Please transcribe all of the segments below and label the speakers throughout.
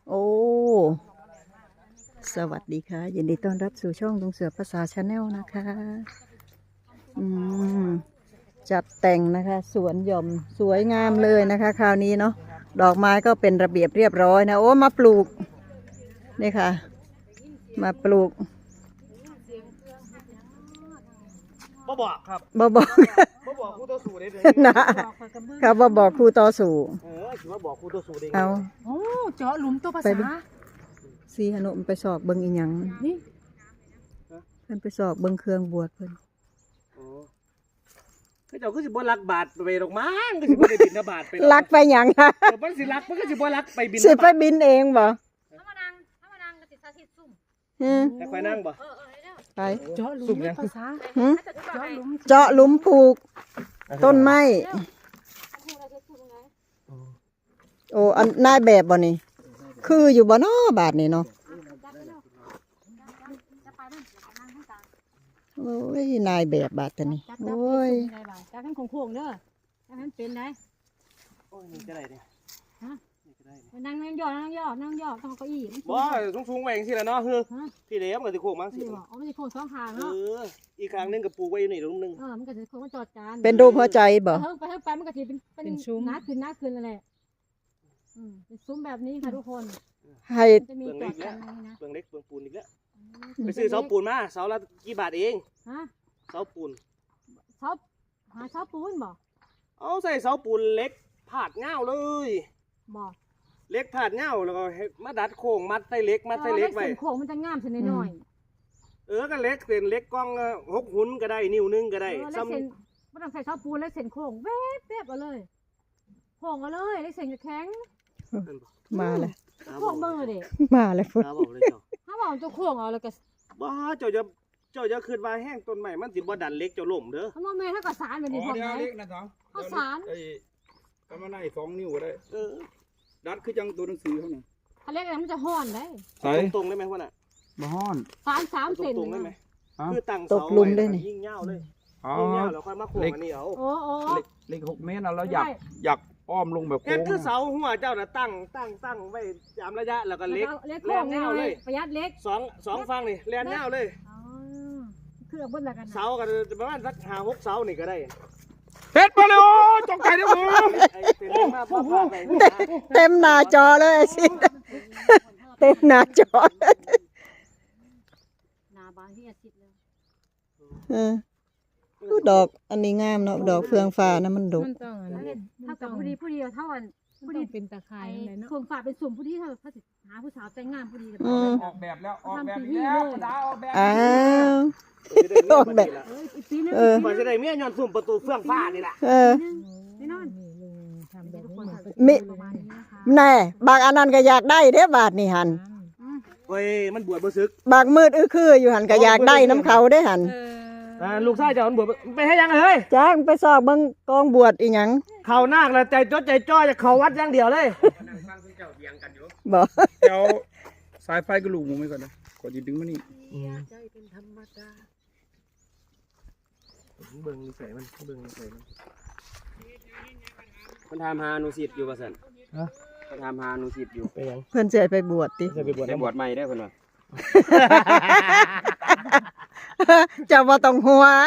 Speaker 1: โอ้สวัสดีค่ะยินดีต้อนรับสู่ช่องลุงเสือภาษาชาแนลนะคะอืมจัดแต่งนะคะสวนหย่อมสวยงามเลยนะคะคราวนี้เนาะดอกไม้ก็เป็นระเบียบเรียบร้อยนะโอ้มาปลูกนี่ค่ะมาปลูก
Speaker 2: บ่บอกครับ
Speaker 1: บ่บอก
Speaker 2: บ่บอกครูต่อสู้ได้เลย
Speaker 1: นะครับบ่บอกครูต่อสู่
Speaker 2: คิดว่าบอกครูต่อสู้ได้
Speaker 1: เอา
Speaker 3: โอ้เจาะหลุมตัวภา
Speaker 1: ไป
Speaker 3: ษา
Speaker 1: ดิ สีหนุมไปสอบเบิ่งอีหยัง
Speaker 3: นี่
Speaker 1: เพิ่นไปสอบเบิ่งเครื่องบวชเพิ่น
Speaker 2: คือเจ้าคือสิบ่รักบาทไปดอกมั้งคือสิบ่ได้บินบาทไป
Speaker 1: ลักไปหยังคะ
Speaker 2: มันสิรักมันก็สิบ่รักไปบิน
Speaker 1: สิไปบินเองบ่
Speaker 4: ถ้ามานั่งก็ติดสาธิตซุ่ม
Speaker 1: อืม
Speaker 2: แต่ค่อยนั่งบ่
Speaker 1: ไป
Speaker 3: เจาะหลุมตัวภาษา
Speaker 1: หึ
Speaker 3: เจาะหลุม
Speaker 1: เจาะหลุมปลูกต้นไม้โอ้อันนายแบบบ่นี่คืออยู่บ่เนาะบาทนี่เนาะโอ้ยนายแบบบาทตัวนี้โอ้ย
Speaker 3: จับกันโค้งๆเด้อจับกันเป็นไง
Speaker 2: โอ้ยนี่ก็ได้เนี่ย
Speaker 3: นั่งย่อต้องเอาเก้าอี้
Speaker 2: บ่สูงๆไว้จังซี่ล่ะเนาะคือพี่เลี้ยงก็สิโค้งมั้งสิ
Speaker 3: นี่บ่เอาไม่ใช่โค้งสองข้าง
Speaker 2: เอ
Speaker 3: เนาะ
Speaker 2: ออีกครั้งนึงก็ปลูกไว้อยู่นี่ตรงนึง
Speaker 3: มันก็จะโค้งมันจอดกัน
Speaker 1: เป็นรูปหัวใจบ่
Speaker 3: ไปมันก็จะเป็นซุ้มหน้าขึ้นนั่นแหละเป็นซุ้มแบบนี้ค่ะทุกคน
Speaker 1: ให้
Speaker 3: จะมีจอดกันนะ
Speaker 2: เปลืองเล็กเปลืองปูนอีกแล้วไปซื้อเสาปูนมาเสาละกี่บาทเอง
Speaker 3: ฮะ
Speaker 2: เสาปูน
Speaker 3: หาเสาปูนบ่
Speaker 2: เอาใส่เสาปูนเล็กผาดเงาเลย
Speaker 3: บ่
Speaker 2: เล็กผาดเงาแล้วก็มาดัดโค้งมัดใส่เล็กมัดใส่เล็กไว้
Speaker 3: เส้นโค้งมันจะงามเส้นน้อย
Speaker 2: ก็เล็กเส้นเล็กกล้อง6 หุ่นก็ได้นิ้วนึงก็ได้
Speaker 3: แล้ว
Speaker 2: ซ้ำ
Speaker 3: เส้นไม่ต้องใส่เสาปูนแล้วเส้นโค้งแวบเอาเลยโค้งเอาเลยแล้วเส้นจะแข็ง
Speaker 1: มาเลย
Speaker 3: โค้งมือดิ
Speaker 1: มาเลยพุ่น
Speaker 2: ตาบอกเลยเจ้า
Speaker 3: ถ้าบอกตัวโค้งเอาแล้วก็
Speaker 2: บ้าเจ้าจะขึ้นว่าแห้งต้นใหม่มันสิบ่ดันเล็กเจ้าล่มเด้อ
Speaker 3: ถ้ามองแม่ถ้าก็สารแบบนี้พอ
Speaker 5: เดี๋ยว
Speaker 3: ไหม
Speaker 5: เล็กนะสอง
Speaker 3: ข้าวสาร
Speaker 5: ไอ้กำมะไน2 นิ้วก็ได้
Speaker 2: เออ
Speaker 5: ดัดคือจังตัวหนังสือเขาน่ะ
Speaker 3: ถ้าเล็กมันจะห้อนได้
Speaker 5: ใส่
Speaker 2: ตรงๆได้ไหมพ่อน่ะ
Speaker 5: บ่ฮ้อน
Speaker 3: 3 เซน
Speaker 2: ตรงๆได้ไหม
Speaker 5: ฮะ
Speaker 2: คือตั้ง
Speaker 1: ต
Speaker 2: เสาก
Speaker 1: หลุมได้นี่
Speaker 2: ยิ่งเงาเลย
Speaker 5: อ๋อ
Speaker 2: ยิ่งเงาแล้วค่อยมาโค้งอันนี้เอา
Speaker 3: โอ้
Speaker 5: เล็ก6 เมตรแล้วอยากอ้อมลงแบบ
Speaker 2: เฮ็
Speaker 5: โค้
Speaker 2: ด
Speaker 5: ง
Speaker 2: คือเสาหัวเจ้าน่ะตั้งไว้ตามระยะแล้วก็เล็ก
Speaker 3: เล็ก
Speaker 2: แล่
Speaker 3: โค้ง
Speaker 2: น
Speaker 3: เงา
Speaker 2: เงา
Speaker 3: เล
Speaker 2: เลย ย
Speaker 3: ประหยัดเล็ก
Speaker 2: สองฝั่งนี่แล่นเงาเลย
Speaker 3: คือเอาบนละกัน
Speaker 2: เสากันประมาณสัก5-6 เสานี่ก็ได้
Speaker 5: เฮ็ดมาเลยโอ้จงใจเด้อผม
Speaker 2: ไอ้เป็นเรื่องมากพ่อพาไป
Speaker 1: เต็มหน้าจอเลยไอ้สิเต็มหน้าจอ
Speaker 3: นาบางที่อาทิตย์เลย
Speaker 1: ดอกอันนี้งามเนาะดอกเฟืองฟ้านะมันดก
Speaker 3: มันต้องถ้ากับผู้ดีเท่ากันผู้ดีเป็นตะไคร้เลยเนาะส่วนฝากเป็นสุ่มผู้ดีเท่าเขาหาผู้สาวแต่งงานผู้ดีกัน
Speaker 5: ออกแบบแล้วออกแบบอีกแล้วประดาออกแบบ
Speaker 1: อ้าว
Speaker 2: ออกแบบ
Speaker 3: อีกปีนึง
Speaker 2: มันจะได้เมียย้อนสุ่มประตูเฟื่องฟ้านี่แหละ
Speaker 3: แน่นอน
Speaker 1: มิแน่บางอันนั้นก็อยากได้เด้อบาทนี่หัน
Speaker 2: เฮ้ยมันบวชบ่ซึก
Speaker 1: บางมืดคืออยู่หันก็อยากได้น้ำเขาได้หัน
Speaker 2: ลูกชายเจ้ามันบวชไปให้ยังเฮ้ย
Speaker 1: จ้างไปสอบเบิ่งกองบวชอีหยัง
Speaker 2: เขานาคแล้วใจจดใจจ่อจะเขาวัดอย่างเดียวเลย
Speaker 1: บ่
Speaker 5: เดี๋ยวสายไฟกระลูกหมูไว้ก่อนนะก่อนจะดึงมานี่
Speaker 2: เบิ่งใส่มันเบิ่งใส่มัน
Speaker 6: มันทำหานุสิตอยู่ป่ะสันมันทำหานุสิตอยู่
Speaker 2: ไปยัง
Speaker 1: เพิ่นสิให้ไปบวชติ
Speaker 2: จะไปบวช
Speaker 6: ได้บวชใหม่ได้เพิ่นว่า
Speaker 1: เจ้าบ่ต้องหัว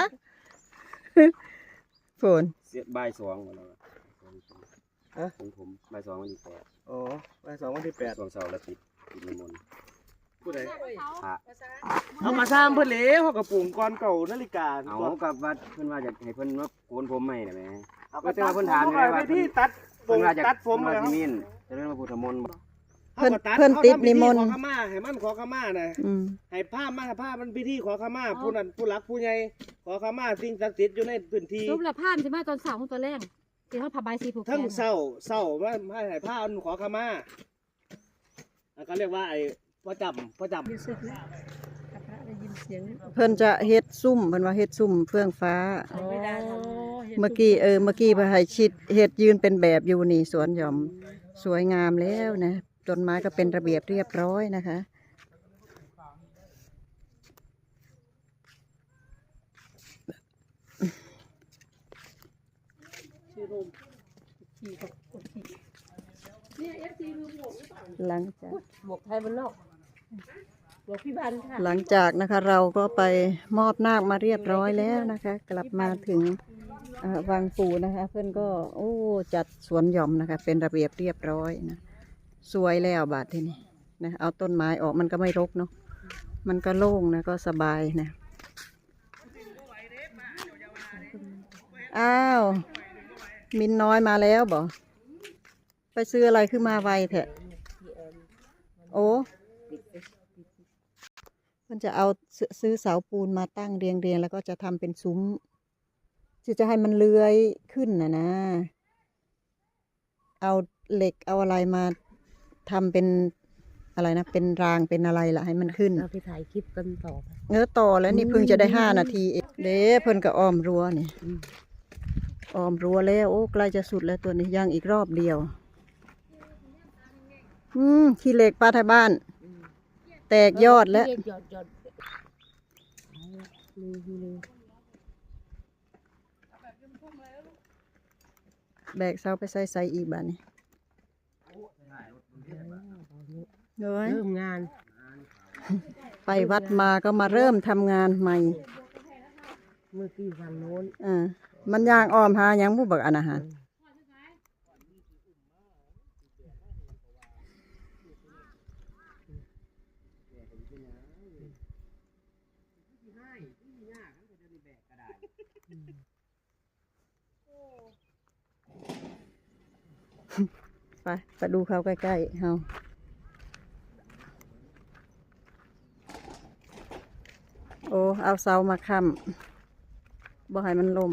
Speaker 1: ฝน
Speaker 6: เสียบ่าย2บ่แล้วของผมบ่าย2วันที่8
Speaker 2: อ๋อไป2 วันที่
Speaker 6: ช่วงเช้าแล้วติดนิมนต์
Speaker 2: 8ผู้ใด
Speaker 6: พระ
Speaker 2: เอามาสร้างเพิ่นแล้วเขาก็ปลูกก่อนเก่านาฬิกา
Speaker 6: เอากับวัดเพิ่นว่าจะให้เพิ่นมาโกนผมใหม่ได้ไหม
Speaker 2: เอาก็เพิ่นถามอยู่ว่าที่ตัดผ
Speaker 6: เพิ่
Speaker 2: ม
Speaker 6: นว่าจะ
Speaker 2: ตัดผม
Speaker 6: มา
Speaker 2: แล้ว
Speaker 6: ที่นี่จะเรื่องพระพุทธมนต์
Speaker 1: เพิ่นติดนิมนต์
Speaker 2: ขอขมาให้มันขอขมาน่ะ
Speaker 1: อืม
Speaker 2: ให้ผ้ามันพิธีขอขมาผู้นั้นผู้หลักผู้ใหญ่ขอขมาสิ่งศักดิ์สิทธิ์อยู่ในพื้นที่
Speaker 3: รูปละผ้าจะมาตอนสาวตอนแรกเดี๋ยวเขาผ้าใบสีผูกแข
Speaker 2: ทั้ง
Speaker 3: น
Speaker 2: เศร้าว่าให้ผ้ามันขอขมาแล้วก็เรียกว่าไอ้พ่อจำ
Speaker 1: เพิ่นจะเฮ็ดซุ่มเพิ่นว่าเฮ็ดซุ่มเฟื่องฟ้า เมื่อกี้เพิ่นให้ชิดเฮ็ดยืนเป็นแบบอยู่นี่สวนหย่อมสวยงามแล้วนะต้นไม้ก็เป็นระเบียบเรียบร้อยนะคะ
Speaker 3: ขี่
Speaker 1: หลังจาก
Speaker 3: บวกไทยบนโลกบวกพี่บันค่ะ
Speaker 1: หลังจากนะคะเราก็ไปมอบนาคมาเรียบร้อยแล้วนะคะ กลับมาถึงวังปู่นะคะ เพื่อนก็โอ้จัดสวนหย่อมนะคะ เป็นระเบียบเรียบร้อยนะสวยแล้วบาดทีนี้นะเอาต้นไม้ออกมันก็ไม่รกเนาะมันก็โล่งนะก็สบายนะอ้าวมินน้อยมาแล้วบ่ไปซื้ออะไรขึ้นมาไวแท้โอ้มันจะเอาซื้อเสาปูนมาตั้งเรียงแล้วก็จะทำเป็นซุ้มที่จะให้มันเลื้อยขึ้นนะเอาเหล็กเอาอะไรมาทำเป็นอะไรนะเป็นรางเป็นอะไรล่ะให้มันขึ้น
Speaker 3: เราไปถ่ายคลิปกันต่อ
Speaker 1: ต่อแล้วนี่เพิ่งจะได้5 นาทีเองเด้เพิ่นก็อ้อมรั้วนี่อ้อมรั้วแล้วโอ้ใกล้จะสุดแล้วตัวนี้ยังอีกรอบเดียวขี้เหล็กป้าไทยบ้าน แตกยอดแล้ว
Speaker 3: ยอด
Speaker 1: แบกเสาไปใส่อีกบ้านนี่เฮ้ย
Speaker 3: เริ่มงาน
Speaker 1: ไปวัดมาก็มาเริ่มทำงานใหม่
Speaker 3: เมื่อกี้ฝั่งโน้น
Speaker 1: มันย่างอ้อมหาหยังผู้บักอันอาหารไปดูเขาใกล้ๆเฮาโอ้เอาเสามาค้ำบ่ให้มันล่ม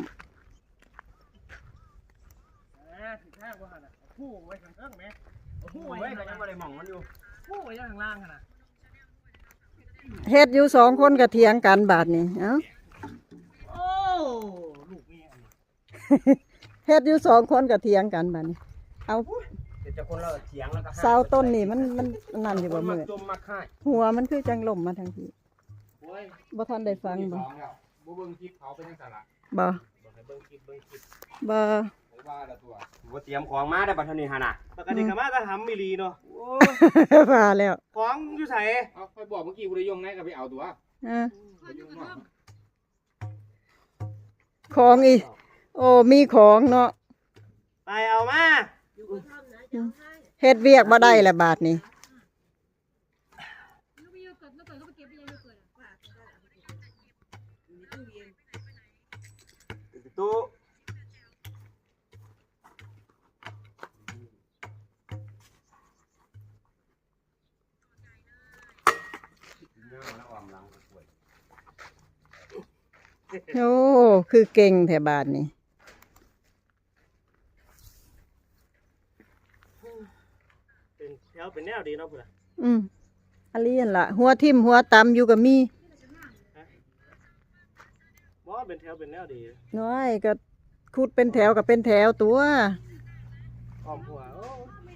Speaker 2: ผู้ไว้ข้างเทิงไหมผู้
Speaker 6: โอ้
Speaker 2: ไว้
Speaker 6: ยยังไม่ได้มองมันอยู่
Speaker 2: ผู้ไว้ข้างล่างขนาด
Speaker 1: เฮ็ดอยู่2 คนก็เถียงกันบาดนี้เอ้า
Speaker 2: โอ้ลูกเมีย
Speaker 1: เฮ็ดอยู่2 คนก็เถียงกันบาดนี้เอา
Speaker 6: เดี๋ยวจะคนเราเถียงแล้วก็
Speaker 1: เสาต้นนี่มันนั่นอยู่บ่
Speaker 6: มา
Speaker 1: มืด
Speaker 6: จมมาค่าย
Speaker 1: หัวมันคือจังล่มมาทางที
Speaker 6: โอ้ย
Speaker 1: บ่ทันได้ฟังบ่
Speaker 5: บ่เบิ่งคลิปเขาเป็นจังซั่นล่ะ
Speaker 1: บ่
Speaker 6: บอกให้เบิ่งคลิป
Speaker 1: บ่
Speaker 5: ผมว่าละตัว
Speaker 6: บ่เตรียมของมาได้บัดเทานี้หั่นน่ะ
Speaker 2: ปกติก็มาจะทำมิลีเนาะ
Speaker 1: ว่าแล้ว
Speaker 2: ของอยู่ใส่
Speaker 5: เอาไปบอกเมื่อกี้บุรียงไหนก็ไปเอาตัวไปยุ่งเนาะ
Speaker 1: ของอีโอ้มีของเนาะ
Speaker 2: ไปเอามา
Speaker 1: เฮ็ดเวียกบ่ได้ละบาดนี้
Speaker 4: ลูกไปโยเกิร์ตแล้วเกิดก็ไปเก็บไปยังโยเกิร์ตอ่ะ
Speaker 2: ตู้
Speaker 1: โอ้คือเก่งแถวบาทนี่
Speaker 2: เป็นแถวเป็นแนวดีเนาะเพื่อน
Speaker 1: อันนี้นั่นล่ะหัวทิ่มหัวตำอยู่กับมี
Speaker 2: บ่เป็นแถวเป็นแนวดี
Speaker 1: น้อยก็ขุดเป็นแถวกับเป็นแถวตัว
Speaker 2: อ้อมหัวโอ้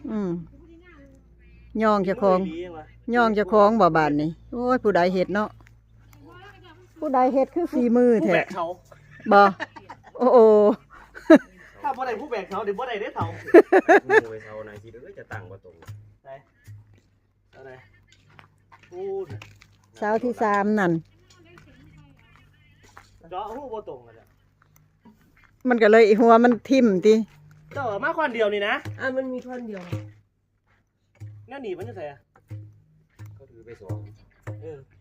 Speaker 1: ย่องเจ้าของ
Speaker 2: ดีจังวะ
Speaker 1: ย่องเจ้าของบ่บาดนี่โอ้ยผู้ใดเฮ็ดเนาะผู้ใดเฮ็ดคือฝีมือ
Speaker 2: ผู้
Speaker 1: แท้
Speaker 2: แบกเขา
Speaker 1: บ่โอ้โอ้
Speaker 2: ถ้าบ่ได้ผู้แบกเขาเดี๋ยวบ่ได้ได้เท่า
Speaker 6: โอ้ยเท่าไหนสิเด้อจะตั้งบ่ตรง
Speaker 2: อะไรพูด
Speaker 1: เสาที่3นั่น
Speaker 2: เจาะหูบ่ตรงกันจ้ะ
Speaker 1: มันก็เลยหัวมันทิ่มติ
Speaker 2: เจาะมาคนเดียวนี่นะ
Speaker 3: มันมีท่อนเดียว
Speaker 2: แน่หนีมันจะใส่อะ
Speaker 6: ก็ถือไปสอง
Speaker 2: เออ